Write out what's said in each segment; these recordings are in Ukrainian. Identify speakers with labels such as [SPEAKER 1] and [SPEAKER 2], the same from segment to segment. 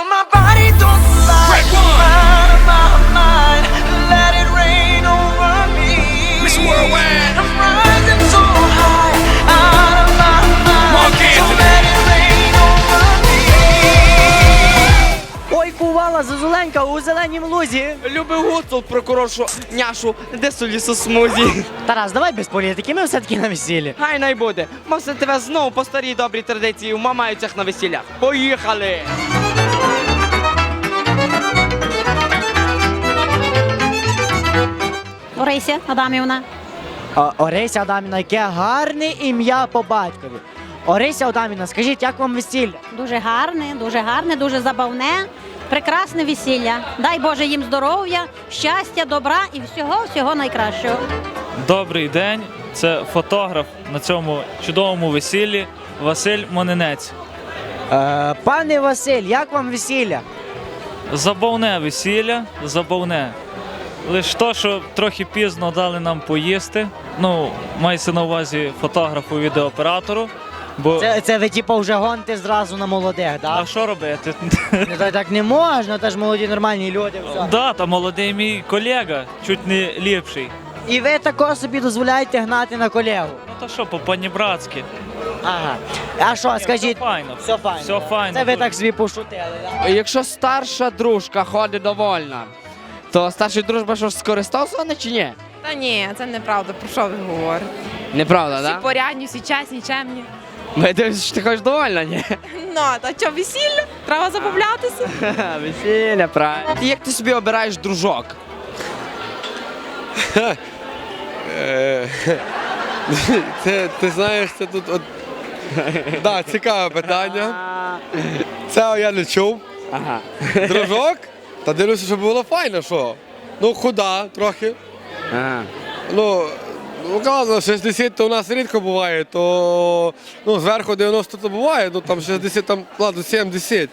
[SPEAKER 1] my body don't lie. Out of my mind, let it rain over me.
[SPEAKER 2] Miss Worldwide.
[SPEAKER 1] I'm rising so high, out of my mind.
[SPEAKER 2] Mark
[SPEAKER 1] So
[SPEAKER 2] Anthony.
[SPEAKER 1] let it rain over me.
[SPEAKER 3] Ой, кувала, зозуленька у зеленім лузі.
[SPEAKER 4] Любив гуцул прокуроршу няшу, де солі смузі.
[SPEAKER 3] Тарас, давай без політики, ми все-таки на весіллі.
[SPEAKER 4] Хай най буде. Мусить тебе знову по старій добрій традиції умамаються на весіллях. Поїхали!
[SPEAKER 5] Орися Адамівна.
[SPEAKER 3] Орися Адамівна, яке гарне ім'я по батькові. Орися Адамівна, скажіть, як вам весілля?
[SPEAKER 5] Дуже гарне, дуже забавне, прекрасне весілля. Дай Боже їм здоров'я, щастя, добра і всього найкращого.
[SPEAKER 6] Добрий день, це фотограф на цьому чудовому весіллі Василь Монинець.
[SPEAKER 3] Пане Василь, як вам весілля?
[SPEAKER 6] Забавне весілля, забавне. Лише то, що трохи пізно дали нам поїсти. Ну, мається на увазі фотографу, відеооператору. Бо
[SPEAKER 3] Це ви типу вже гоните зразу на молодих,
[SPEAKER 6] а
[SPEAKER 3] так?
[SPEAKER 6] що робити?
[SPEAKER 3] Так не можна, це ж молоді нормальні люди. Все.
[SPEAKER 6] Да, та молодий мій колега, чуть не ліпший.
[SPEAKER 3] І ви також собі дозволяєте гнати на колегу.
[SPEAKER 6] Ну то що, по-панібратськи.
[SPEAKER 3] Ага. А що, скажіть?
[SPEAKER 6] Все файно.
[SPEAKER 3] Все файно.
[SPEAKER 6] Все файно.
[SPEAKER 3] Це ви так собі пошутили, так?
[SPEAKER 4] Якщо старша дружка ходить довольна, то старша дружба що ж скористався чи ні?
[SPEAKER 7] Та ні, це неправда, про що ви говорите?
[SPEAKER 4] Неправда,
[SPEAKER 7] Всі
[SPEAKER 4] так?
[SPEAKER 7] порядні, всі чесні, чемні.
[SPEAKER 4] Ми дивимося, що ти ходиш довольна, ні?
[SPEAKER 7] Ну, та що, весілля? Треба забавлятися.
[SPEAKER 4] Весілля, правильно. Як ти собі обираєш дружок?
[SPEAKER 8] Ти знаєш, це тут от. Да, цікаве питання. Це я не чув.
[SPEAKER 4] Ага.
[SPEAKER 8] Дружок? Та дивлюся, щоб було файно, що. Ну, худа трохи.
[SPEAKER 4] Ага.
[SPEAKER 8] Ну, ладно, 60 то у нас рідко буває, то ну, зверху 90 то буває, ну там 60, там, ладно, 70.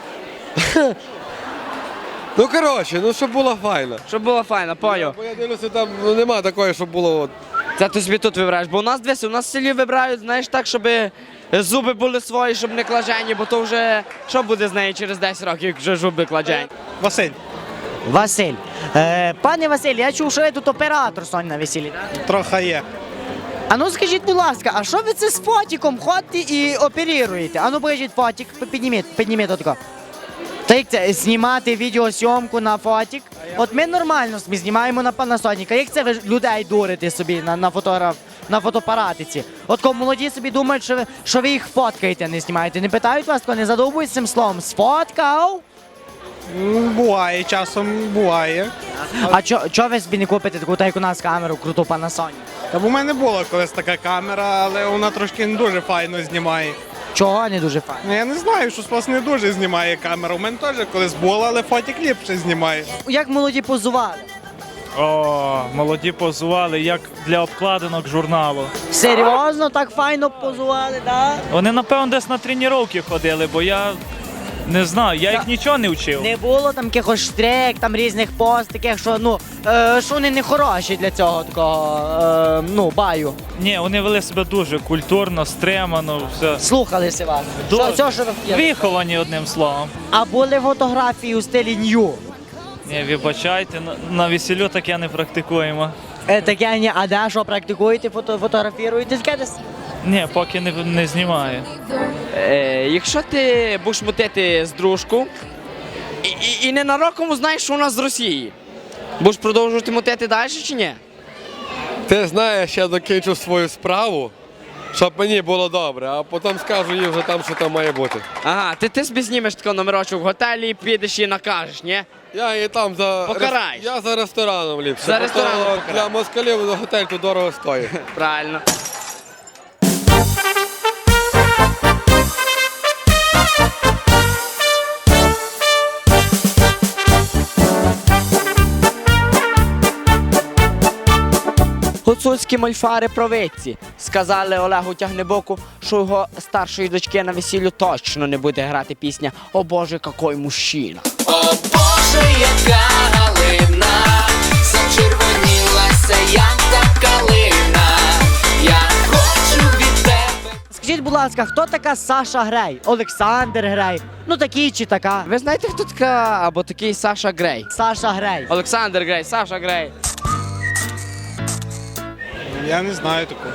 [SPEAKER 8] Ну, коротше, ну щоб було файно.
[SPEAKER 4] Щоб було файно, поняв.
[SPEAKER 8] Бо я дивлюся, там ну, нема такої, щоб було от.
[SPEAKER 4] Це ти собі тут вибираєш, бо у нас дивись, у нас в селі вибирають, знаєш, так, щоб зуби були свої, щоб не клажені, бо то вже що буде з нею через 10 років, як вже зуби кладені?
[SPEAKER 9] Василь,
[SPEAKER 3] Василь. Пане Василь, я чув, що ви тут оператор Сонь на весіллі, так?
[SPEAKER 9] трохи є.
[SPEAKER 3] А ну скажіть, будь ласка, а що ви це з фотиком ходите і оперуєте? А ну покажіть фотик, підніміть отако. Та як це, знімати відеосйомку на фотик? От ми нормально собі знімаємо на Panasonic. Як це ви людей дурите собі на фотоапаратиці? От коли молоді собі думають, що ви їх фоткаєте, не знімаєте. Не питають вас, коли не задовбують цим словом. Сфоткав?
[SPEAKER 9] Буває, часом буває.
[SPEAKER 3] А чого ви собі не купите таку, так як у нас камеру, круту Panasonic?
[SPEAKER 9] Та в мене була колись така камера, але вона трошки не дуже файно знімає.
[SPEAKER 3] Чого не дуже файно?
[SPEAKER 9] Ну, я не знаю, що вас не дуже знімає камера. У мене теж колись була, але фотик ліпше знімає.
[SPEAKER 3] Як молоді позували?
[SPEAKER 6] О, молоді позували, як для обкладинок журналу.
[SPEAKER 3] Серйозно, так файно позували, так?
[SPEAKER 6] Вони, напевно, десь на тренування ходили, бо я не знаю, я їх нічого не вчив.
[SPEAKER 3] Не було там якихось штрек, там різних пост, таких, що, що вони не хороші для цього такого, баю.
[SPEAKER 6] Ні, вони вели себе дуже культурно, стримано, все.
[SPEAKER 3] Слухалися вас.
[SPEAKER 6] Дуже.
[SPEAKER 3] Все, що ви хотіли.
[SPEAKER 6] Виховані одним словом.
[SPEAKER 3] А були фотографії у стилі нью?
[SPEAKER 6] Ні, вибачайте, на весіллю таке не практикуємо.
[SPEAKER 3] Таке ні, а де що практикуєте, фотографіруєте? Таке десь?
[SPEAKER 6] Ні, поки не знімаю.
[SPEAKER 4] Якщо ти будеш мутити з дружку і ненароком знаєш, що у нас з Росії, будеш продовжувати мутити далі чи ні?
[SPEAKER 8] Ти знаєш, я закінчу свою справу, щоб мені було добре, а потім скажу їй вже там, що там має бути.
[SPEAKER 4] Ага, ти собі знімеш такий номерочок в готелі і підеш і накажеш, ні?
[SPEAKER 8] Я її там за
[SPEAKER 4] Покараєш.
[SPEAKER 8] Я за рестораном ліпше.
[SPEAKER 4] За
[SPEAKER 8] бо то
[SPEAKER 4] рестораном покараю.
[SPEAKER 8] для москалів готель тут дорого стоїть.
[SPEAKER 4] Правильно. Гуцульські мольфари провидці сказали Олегу Тягнебоку, що його старшої дочки на весіллю точно не буде грати пісня «О Боже, какой мужчина».
[SPEAKER 1] О Боже, яка галина, зачервонілася, як та калина. Я хочу від тебе.
[SPEAKER 3] Скажіть, будь ласка, хто така Саша Грей? Олександр Грей? Ну такий чи така?
[SPEAKER 4] Ви знаєте, хто така або такий Саша Грей?
[SPEAKER 3] Саша Грей.
[SPEAKER 4] Олександр Грей, Саша Грей.
[SPEAKER 9] Я не знаю такого.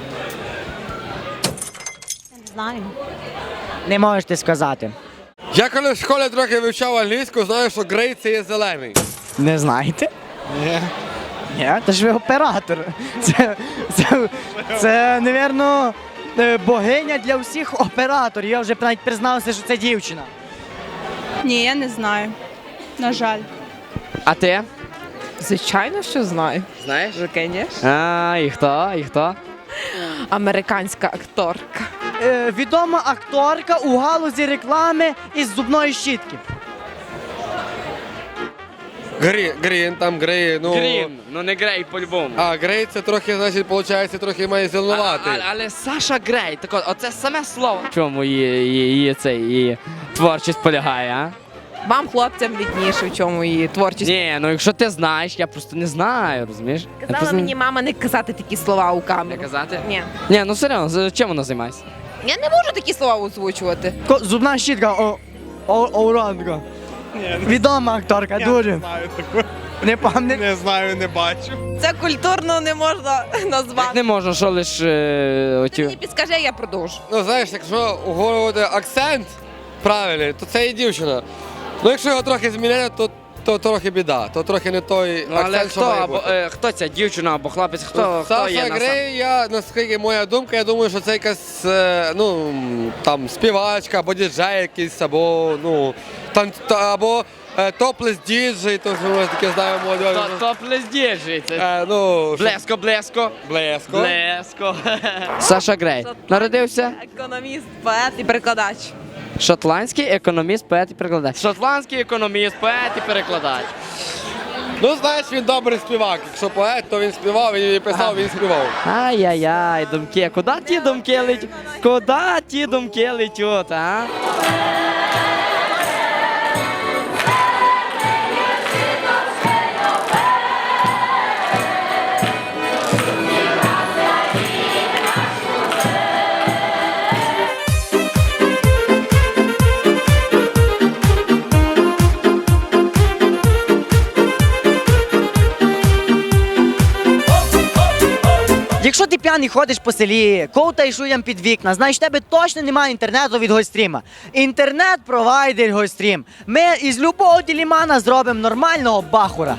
[SPEAKER 5] Не знаю.
[SPEAKER 3] Не можете сказати.
[SPEAKER 8] Я коли в школі трохи вивчав англійську, знаю, що грей це є зелений.
[SPEAKER 3] Не знаєте?
[SPEAKER 9] Ні.
[SPEAKER 3] Ні, це ж ви оператор. Це, напевно, богиня для всіх операторів. Я вже навіть признався, що це дівчина.
[SPEAKER 7] Ні, я не знаю. На жаль.
[SPEAKER 4] А ти?
[SPEAKER 7] Звичайно, що знаю.
[SPEAKER 4] Знаєш?
[SPEAKER 7] Звісно.
[SPEAKER 4] А, і хто? І хто?
[SPEAKER 7] Американська акторка.
[SPEAKER 3] Відома акторка у галузі реклами із зубної щітки.
[SPEAKER 8] Грін, там грей, ну...
[SPEAKER 4] Грін, ну не Грей по-любому.
[SPEAKER 8] А, грей це трохи, значить, виходить, трохи має зеленуватий.
[SPEAKER 4] Але Саша Грей, так от, оце саме слово. В чому її творчість полягає, а?
[SPEAKER 7] Вам, хлопцям, відніше, в чому її творчість.
[SPEAKER 4] Ні, ну якщо ти знаєш, я просто не знаю, розумієш? Я
[SPEAKER 7] Казала
[SPEAKER 4] просто
[SPEAKER 7] мені мама не казати такі слова у
[SPEAKER 4] не
[SPEAKER 7] камеру.
[SPEAKER 4] казати?
[SPEAKER 7] Ні.
[SPEAKER 4] Ні, ну серйозно, чим вона займається?
[SPEAKER 7] Я не можу такі слова озвучувати.
[SPEAKER 3] Зубна щітка, Оранга.
[SPEAKER 9] Ні,
[SPEAKER 3] Відома акторка,
[SPEAKER 9] я
[SPEAKER 3] дуже.
[SPEAKER 9] не знаю такого.
[SPEAKER 3] Не пам'ятаю.
[SPEAKER 9] Не знаю, не бачу.
[SPEAKER 7] Це культурно не можна назвати.
[SPEAKER 4] Не можна, що лише
[SPEAKER 7] Ти
[SPEAKER 4] оті.
[SPEAKER 7] мені підскажи, я продовжу.
[SPEAKER 8] Ну, знаєш, якщо уговорювати акцент правильний, то це і дівчина. Ну, якщо його трохи змінити, то трохи біда, то трохи не той
[SPEAKER 4] Ну, але
[SPEAKER 8] акцент, що
[SPEAKER 4] хто,
[SPEAKER 8] має
[SPEAKER 4] або,
[SPEAKER 8] бути.
[SPEAKER 4] хто ця дівчина або хлопець, хто
[SPEAKER 8] Саша
[SPEAKER 4] є на
[SPEAKER 8] Грей, я, наскільки моя думка, я думаю, що це якась, ну, там, співачка, або діджей якийсь, або, ну, або топлес діджей, то що ми таке знаємо молодь.
[SPEAKER 4] Топлес діджей, це
[SPEAKER 8] Ну,
[SPEAKER 4] блеско, блеско.
[SPEAKER 8] блеско.
[SPEAKER 4] Блеско. Саша Грей. Народився
[SPEAKER 7] Економіст, поет і перекладач.
[SPEAKER 4] шотландський економіст, поет і перекладач. Шотландський економіст, поет і перекладач.
[SPEAKER 8] Ну, знаєш, він добрий співак. Якщо поет, то він співав, він писав, він співав.
[SPEAKER 4] Ай-яй-яй, думки. Куди ті думки летять? Куди ті думки летять, а?
[SPEAKER 3] Якщо ти п'яний ходиш по селі, ковтаєш людям під вікна, значить в тебе точно немає інтернету від Гольстріма. Інтернет-провайдер Гольстрім. Ми із любого ділімана зробимо нормального бахура.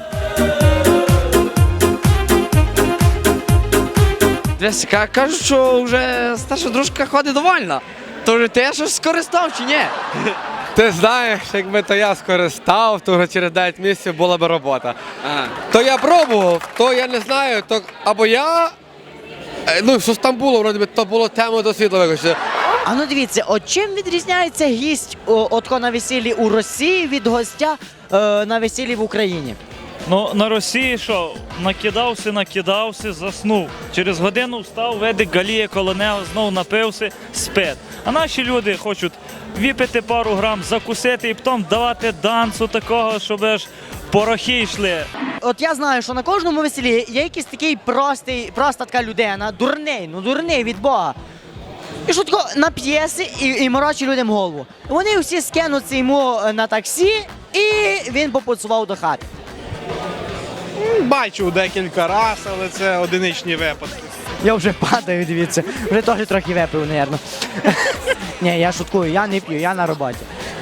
[SPEAKER 4] Дивись, кажуть, що вже старша дружка ходить довольна. То вже ти щось скористав чи ні?
[SPEAKER 8] Ти знаєш, якби то я скористав, то вже через 9 місяців була б робота.
[SPEAKER 4] Ага.
[SPEAKER 8] То я пробував, то я не знаю, то або я. Ну, що ж там було, вроді би, то було тему до світлового.
[SPEAKER 3] А ну дивіться, от чим відрізняється гість отко на весіллі у Росії від гостя на весіллі в Україні?
[SPEAKER 6] Ну, на Росії що? Накидався, заснув. Через годину встав, ведик галіє коло нього, знов напився, спить. А наші люди хочуть випити пару грам, закусити і потім давати дансу такого, щоб аж порохи йшли.
[SPEAKER 3] От я знаю, що на кожному весіллі є якийсь такий проста така людина, дурний від Бога. І що тако нап'єси і морочить людям голову. Вони всі скинуться йому на таксі, і він попоцував до хати.
[SPEAKER 9] Бачив декілька разів, але це одиничні випадки.
[SPEAKER 3] Я вже падаю, дивіться. Вже теж трохи випив, мабуть. Ні, я шуткую, я не п'ю, я на роботі.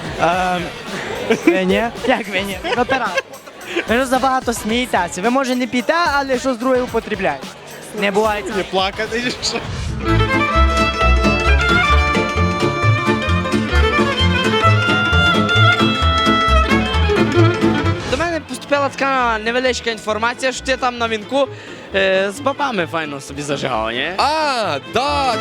[SPEAKER 3] Ви ні? Як ви ні? Оператор. Ви ж забагато смієтеся. Ви, може, не п'єте, але щось друге употребляєте. Не буває.
[SPEAKER 9] Не плакати, чи що?
[SPEAKER 4] До мене поступила така невеличка інформація, що ти там на вінку з бабами файно собі зажигав, ні?
[SPEAKER 8] А, да.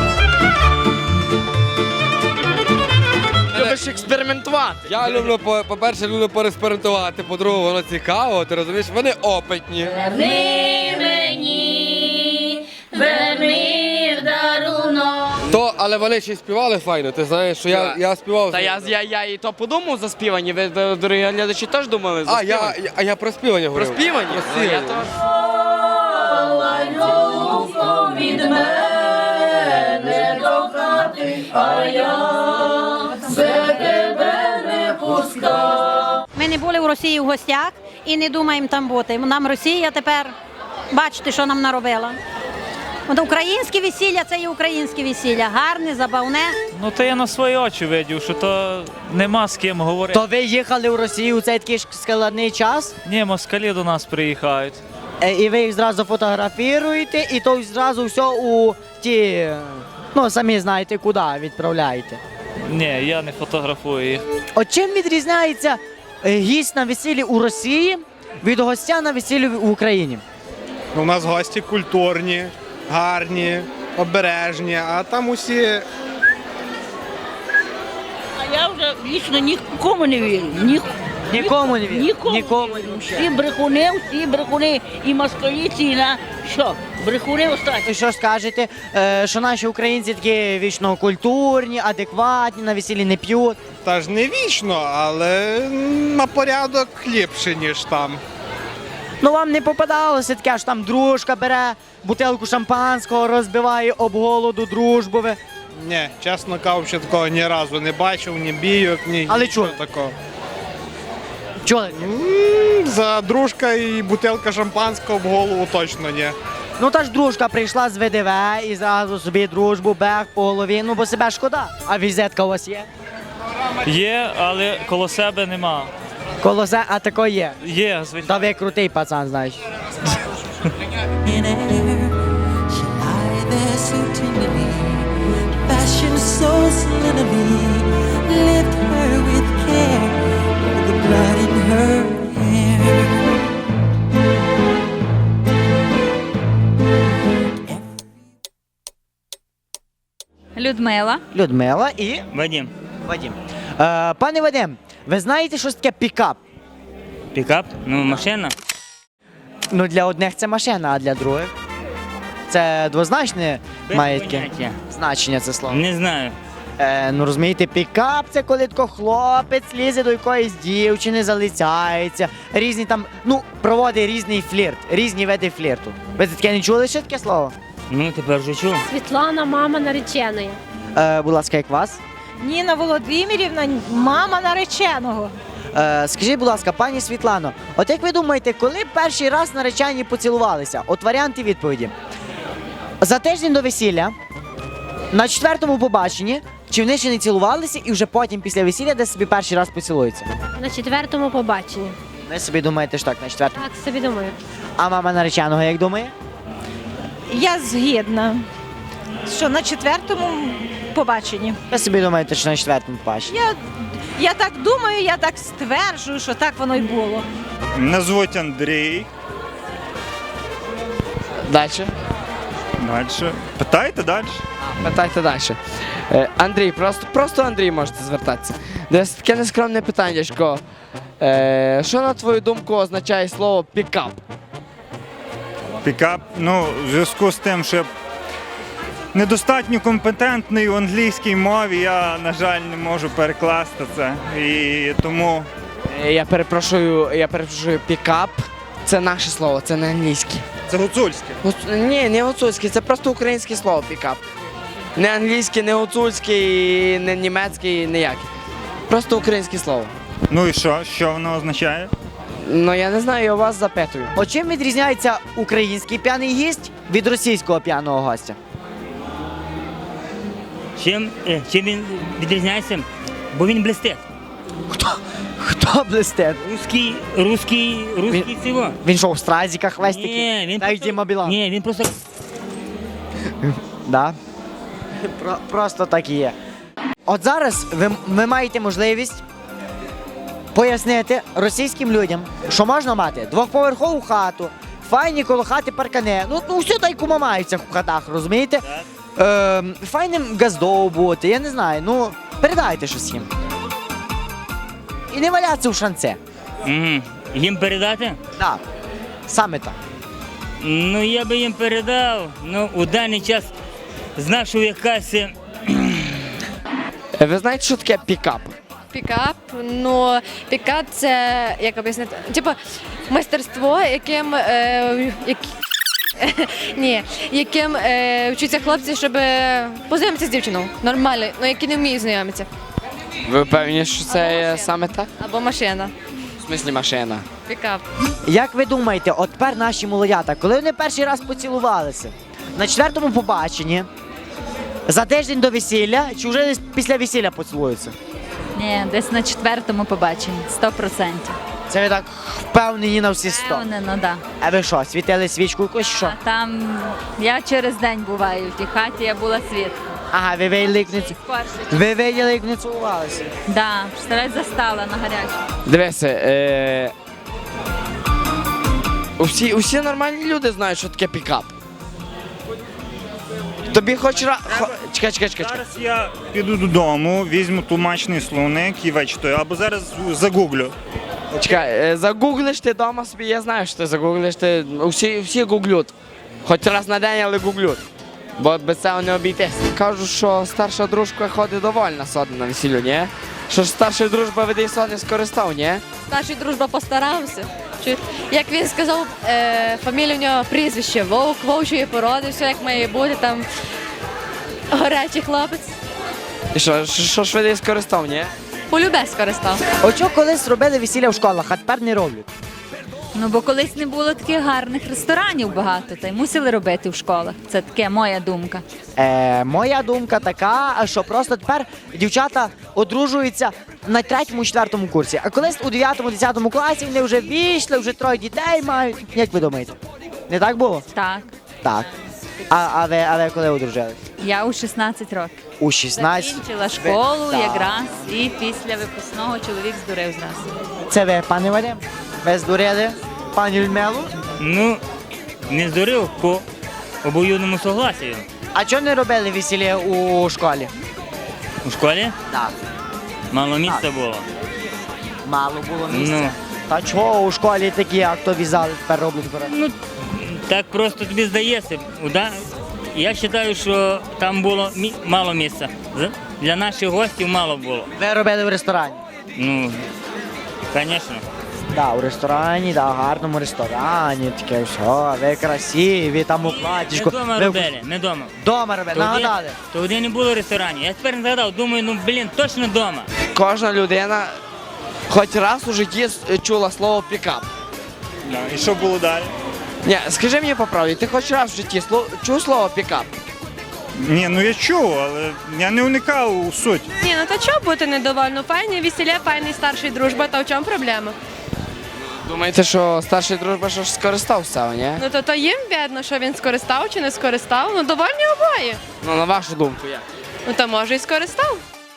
[SPEAKER 4] Любиш експериментувати.
[SPEAKER 8] Я люблю, по-перше, люблю поекспериментувати, по-друге, воно цікаво, ти розумієш, вони опитні. То, але вони ще й співали файно, ти знаєш, що я співав.
[SPEAKER 4] Та я і то подумав за співані, ви, дорогі глядачі, теж думали за
[SPEAKER 8] А,
[SPEAKER 4] співані.
[SPEAKER 8] я про співання
[SPEAKER 4] Про
[SPEAKER 8] говорив.
[SPEAKER 4] співані?
[SPEAKER 8] Про
[SPEAKER 4] Ну, я
[SPEAKER 8] співання.
[SPEAKER 4] то...
[SPEAKER 5] Ми не були в Росії в гостях і не думаємо там бути. Нам Росія тепер, бачите, що нам наробила. От українське весілля – це і українське весілля. Гарне, забавне.
[SPEAKER 6] Ну то я на свої очі видів, що то нема з ким говорити.
[SPEAKER 3] То ви їхали в Росію у цей такий складний час,
[SPEAKER 6] Ні, москалі до нас приїхають.
[SPEAKER 3] і ви їх зразу фотографіруєте, і то зразу все у ті, ну самі знаєте куди відправляєте.
[SPEAKER 6] Ні, я не фотографую їх.
[SPEAKER 3] От чим відрізняється гість на весіллі у Росії від гостя на весіллі в Україні?
[SPEAKER 9] У нас гості культурні, гарні, обережні, а там усі
[SPEAKER 10] А я вже вічно нікому не вірю.
[SPEAKER 3] Нікому не вірю.
[SPEAKER 10] Нікому не вірю. Всі брехуни, і москаліці, і на що? Брехуни останні.
[SPEAKER 3] І що ж скажете, що наші українці такі вічно культурні, адекватні, на весіллі не п'ють.
[SPEAKER 9] та ж не вічно, але на порядок ліпше, ніж там.
[SPEAKER 3] Ну вам не попадалося таке, що там дружка бере бутилку шампанського, розбиває об голоду дружбу.
[SPEAKER 9] Ні, чесно кажучи, такого ні разу не бачив, ні бійок, ні
[SPEAKER 3] Але
[SPEAKER 9] нічого
[SPEAKER 3] чули?
[SPEAKER 9] такого.
[SPEAKER 3] Чули?
[SPEAKER 9] За дружка і бутилка шампанського в голову точно ні.
[SPEAKER 3] Ну та ж дружка прийшла з ВДВ і зразу собі дружбу, бег по голові, ну бо себе шкода. А візитка у вас є?
[SPEAKER 6] Є, але коло себе нема.
[SPEAKER 3] Колосе, а тако є.
[SPEAKER 6] Є, звичайно.
[SPEAKER 3] Та ви крутий пацан, знаєш.
[SPEAKER 1] in air. She lie there so tenderly, fashion so slenderly. Lift her with care, all the blood in her hair.
[SPEAKER 7] Людмила.
[SPEAKER 3] Людмила і
[SPEAKER 2] Вадим.
[SPEAKER 3] Вадим. Пане Вадим, ви знаєте, що таке пікап?
[SPEAKER 2] Пікап? Ну, машина.
[SPEAKER 3] Ну для одних це машина, а для других це двозначне
[SPEAKER 2] Без
[SPEAKER 3] має таке
[SPEAKER 2] поняття.
[SPEAKER 3] значення це слово.
[SPEAKER 2] Не знаю.
[SPEAKER 3] Ну розумієте, пікап це коли тако хлопець лізе до якоїсь дівчини, залицяється, різні там, ну, проводить різний флірт, різні види флірту. Ви таке не чули ще таке слово?
[SPEAKER 2] Ну, тепер вже чув.
[SPEAKER 11] Світлана, мама нареченої.
[SPEAKER 3] Будь ласка, як вас?
[SPEAKER 5] Ніна Володимирівна, мама нареченого.
[SPEAKER 3] Скажіть, будь ласка, пані Світлано, от як ви думаєте, коли перший раз наречені поцілувалися? От варіанти відповіді. За тиждень до весілля, на 4-му побаченні, чи вони ще не цілувалися і вже потім після весілля десь собі перший раз поцілуються?
[SPEAKER 11] На 4-му побаченні.
[SPEAKER 3] Ви собі думаєте, що так, на 4-му?
[SPEAKER 11] Так собі думаю.
[SPEAKER 3] А мама нареченого як думає?
[SPEAKER 5] Я згідна, що на 4-му побаченні.
[SPEAKER 3] Ви собі думаєте, що на 4-му побаченні?
[SPEAKER 5] Я так думаю, я так стверджую, що так воно й було.
[SPEAKER 9] Мене звуть Андрій.
[SPEAKER 4] Далі.
[SPEAKER 9] Далі. Питайте далі.
[SPEAKER 4] Питайте далі. Андрій, просто Андрій можете звертатися. Десь таке нескромне питаннячко. Що, на твою думку, означає слово пікап?
[SPEAKER 12] Пікап, ну, в зв'язку з тим, що я недостатньо компетентний у англійській мові, я, на жаль, не можу перекласти це. І тому
[SPEAKER 4] Я перепрошую, пікап. Це наше слово, це не англійське.
[SPEAKER 9] Це гуцульське.
[SPEAKER 4] Ні, не гуцульське, це просто українське слово пікап. Не англійське, не гуцульське, і не німецьке, ніяке. Просто українське слово.
[SPEAKER 12] ну і що? Що воно означає?
[SPEAKER 4] Ну я не знаю, я вас запитую.
[SPEAKER 3] От чим відрізняється український п'яний гість від російського п'яного гостя?
[SPEAKER 2] Чим він відрізняється? Бо він блистить.
[SPEAKER 3] Хто блистить?
[SPEAKER 2] Русський цього.
[SPEAKER 3] Він що, в стразиках весь такий?
[SPEAKER 2] Ні, він
[SPEAKER 3] Так, Діма Білан.
[SPEAKER 2] Ні, він просто...
[SPEAKER 3] Да. Просто так і є. От зараз ви маєте можливість пояснити російським людям, що можна мати двохповерхову хату, файні коло хати паркани, ну все так кума маються в хатах, розумієте? Файним газдов бути, я не знаю, ну передайте щось їм. І не валятися в шанце.
[SPEAKER 2] Угу. Їм передати?
[SPEAKER 3] Так, саме так.
[SPEAKER 2] Ну, я би їм передав. Ну, у даний час знав, що якась...
[SPEAKER 4] Ви знаєте, що таке пікап?
[SPEAKER 11] Пікап, ну, пікап це, як об'яснити, типу, майстерство, Ні, яким вчаться хлопці, щоб познайомитися з дівчиною. Нормально, ну які не вміють знайомитися.
[SPEAKER 4] Ви впевнені, що це саме так?
[SPEAKER 11] Або машина.
[SPEAKER 4] В смислі машина.
[SPEAKER 11] Пікап.
[SPEAKER 3] Як ви думаєте, от тепер наші молодята, коли вони перший раз поцілувалися? На 4-му побаченні, за тиждень до весілля, чи вже десь після весілля поцілуються?
[SPEAKER 13] Ні, десь на 4-му побаченні, 100%.
[SPEAKER 3] Це ви так впевнені на всі 100.
[SPEAKER 13] Впевнено, да.
[SPEAKER 3] А ви що, світили свічку якусь, що?
[SPEAKER 13] А там я через день буваю в тій хаті, я була свідком.
[SPEAKER 3] Ага, ви виділи, як не
[SPEAKER 13] Перший.
[SPEAKER 3] ви виділи, як не цілувалися.
[SPEAKER 13] Да, представляєш, застала на гарячому.
[SPEAKER 4] Дивися, усі нормальні люди знають, що таке пікап. Тобі хоч раз... Чекай.
[SPEAKER 12] Зараз я піду додому, візьму тлумачний словник і вичитаю, або зараз загуглю.
[SPEAKER 4] Чекай, загуглиш ти вдома собі, я знаю, що ти загуглиш, всі гуглють. Хоч раз на день, але гуглють. Бо без цього не обійтись. Кажуть, що старша дружка ходить довольна содна на весіллю, ні? Що ж старша дружба веде сон не скористав, ні?
[SPEAKER 11] Старший дружба постарався. Як він сказав, фамілія у нього прізвище Вовк, вовчої породи, все як має бути, там гарячий хлопець.
[SPEAKER 4] І що ж веде скористав, ні?
[SPEAKER 11] Полюбе скористав.
[SPEAKER 3] От що колись робили весілля в школах, а тепер не роблять?
[SPEAKER 13] Ну, бо колись не було таких гарних ресторанів багато, та й мусили робити в школах. Це таке моя думка.
[SPEAKER 3] Моя думка така, що просто тепер дівчата одружуються на 3-4 курсі. А колись у 9-10 класі вони вже вийшли, вже 3 дітей мають. Як ви думаєте? Не так було?
[SPEAKER 13] Так.
[SPEAKER 3] Так. А ви коли одружились?
[SPEAKER 13] Я у 16 років.
[SPEAKER 3] У 16?
[SPEAKER 13] Закінчила школу
[SPEAKER 3] Так.
[SPEAKER 13] якраз і після випускного чоловік здурив зразу.
[SPEAKER 3] Це ви, пане Вадим? Ви здурили пані Людмилу?
[SPEAKER 2] Ну, не здурив по обоюдному согласію.
[SPEAKER 3] А чого не робили весілля у школі?
[SPEAKER 2] У школі
[SPEAKER 3] Так.
[SPEAKER 2] мало місця було.
[SPEAKER 3] Мало було місця.
[SPEAKER 2] Ну.
[SPEAKER 3] Та чого у школі такі актовізали тепер роблять?
[SPEAKER 2] Ну, так просто тобі здається. Я вважаю, що там було мало місця. Для наших гостів мало було.
[SPEAKER 3] Ви робили в ресторані?
[SPEAKER 2] Ну, звісно.
[SPEAKER 3] Так, у ресторані, да, гарному ресторані, таке все, ви красиві, там у
[SPEAKER 2] Ми
[SPEAKER 3] платічку.
[SPEAKER 2] вдома робили, ми вдома.
[SPEAKER 3] Дома робили, нагадали.
[SPEAKER 2] Тоді не було ресторанів. Я тепер згадав, думаю, точно вдома.
[SPEAKER 4] Кожна людина хоч раз у житті чула слово пікап.
[SPEAKER 12] І що було далі?
[SPEAKER 4] Ні, скажи мені по правді, ти хоч раз в житті чув слово пікап?
[SPEAKER 12] Ні, ну я чув, але я не уникав у суть.
[SPEAKER 11] Ні, ну то чого бути недовольно? Файне весілля, файний старший дружба, та в чому проблема?
[SPEAKER 4] Думаєте, що старший дружба що ж скористав з цього, ні?
[SPEAKER 11] Ну то їм видно, що він скористав чи не скористав. Ну довольні обоє.
[SPEAKER 4] Ну, на вашу думку, як?
[SPEAKER 11] Ну то може і скористав.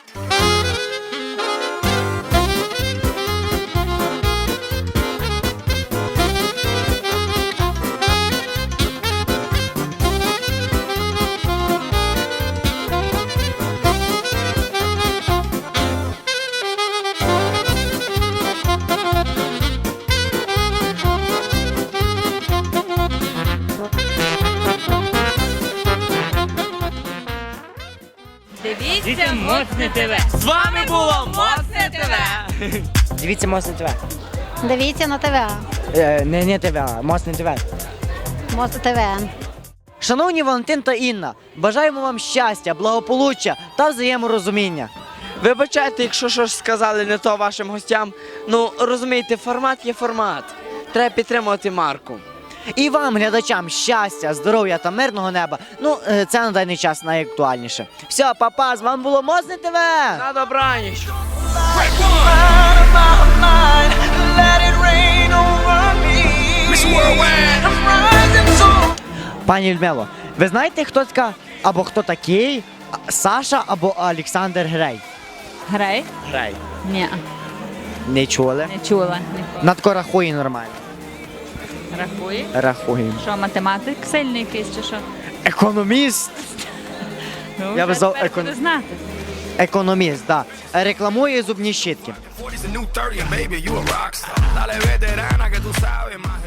[SPEAKER 2] Дивіться Моцне ТВ.
[SPEAKER 4] З вами було Моцне ТВ!
[SPEAKER 3] Дивіться Моцне ТВ.
[SPEAKER 5] Дивіться на ТВ.
[SPEAKER 3] Не ТВ, а Моцне ТВ.
[SPEAKER 5] Моцне ТВ.
[SPEAKER 3] Шановні Валентин та Інна, бажаємо вам щастя, благополуччя та взаєморозуміння.
[SPEAKER 4] Вибачайте, якщо щось сказали не то вашим гостям. Ну, розумієте, формат є формат. Треба підтримувати марку.
[SPEAKER 3] І вам, глядачам, щастя, здоров'я та мирного неба. Ну, це на даний час найактуальніше. Все, папа, з вами було Моцне ТВ!
[SPEAKER 4] На добраніч!
[SPEAKER 1] Out of my mind, let it rain over me. I'm rising so
[SPEAKER 3] Пані Людмило, ви знаєте, хто така, або хто такий Саша або Олександр Грей?
[SPEAKER 13] Грей?
[SPEAKER 3] Грей.
[SPEAKER 13] Ні,
[SPEAKER 3] Не чули?
[SPEAKER 13] не чула ніколи.
[SPEAKER 3] Надко рахує нормально.
[SPEAKER 13] Рахує?
[SPEAKER 3] Рахує.
[SPEAKER 13] Що, математик сильний якийсь чи що?
[SPEAKER 3] Економіст.
[SPEAKER 13] Ну,
[SPEAKER 3] Я
[SPEAKER 13] вже
[SPEAKER 3] визнав
[SPEAKER 13] тепер буде знати.
[SPEAKER 3] Економіст, так. Да. Рекламує зубні щітки.
[SPEAKER 1] 40's a new 30 and baby, you a rock star. Dale veterana que tú sabes más.